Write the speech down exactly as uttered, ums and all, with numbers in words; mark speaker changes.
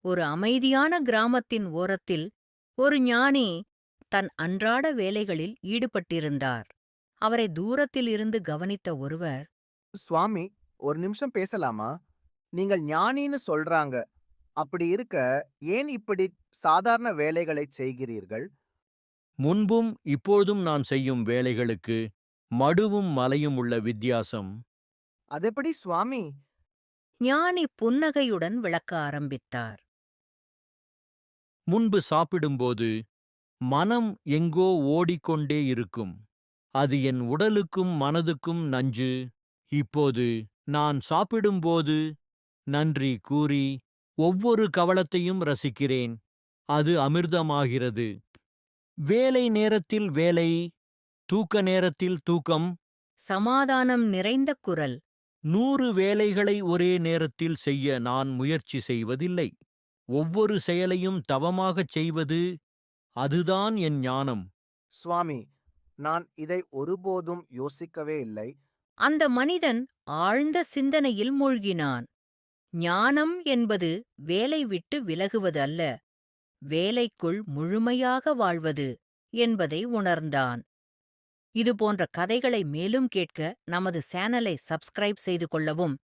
Speaker 1: ஒரு அமைதியான கிராமத்தின் ஓரத்தில் ஒரு ஞானி தன் அன்றாட வேலைகளில் ஈடுபட்டிருந்தார். அவரை தூரத்தில் இருந்து கவனித்த ஒருவர்,
Speaker 2: சுவாமி, ஒரு நிமிஷம் பேசலாமா? நீங்கள் ஞானின்னு சொல்றாங்க. அப்படி இருக்க, ஏன் இப்படி சாதாரண வேலைகளைச் செய்கிறீர்கள்?
Speaker 3: முன்பும் இப்பொழுதும் நான் செய்யும் வேலைகளுக்கு மடுவும் மலையும் உள்ள வித்தியாசம்.
Speaker 2: அதெப்படி சுவாமி?
Speaker 1: ஞானி புன்னகையுடன் விளக்க ஆரம்பித்தார்.
Speaker 3: முன்பு சாப்பிடும்போது மனம் எங்கோ ஓடிக்கொண்டே இருக்கும். அது என் உடலுக்கும் மனதுக்கும் நஞ்சு. இப்போது நான் சாப்பிடும்போது நன்றி கூறி ஒவ்வொரு கவளத்தையும் ரசிக்கிறேன். அது அமிர்தமாகிறது. வேலை நேரத்தில் வேலை, தூக்க நேரத்தில் தூக்கம்.
Speaker 1: சமாதானம் நிறைந்த குரல்.
Speaker 3: நூறு வேலைகளை ஒரே நேரத்தில் செய்ய நான் முயற்சி செய்வதில்லை. ஒவ்வொரு செயலையும் தவமாகச் செய்வது, அதுதான் என் ஞானம்.
Speaker 2: சுவாமி, நான் இதை ஒருபோதும் யோசிக்கவே இல்லை.
Speaker 1: அந்த மனிதன் ஆழ்ந்த சிந்தனையில் மூழ்கினான். ஞானம் என்பது வேலை விட்டு விலகுவது அல்ல, வேலைக்குள் முழுமையாக வாழ்வது என்பதை உணர்ந்தான். இதுபோன்ற கதைகளை மேலும் கேட்க நமது சேனலை சப்ஸ்கிரைப் செய்து கொள்ளவும்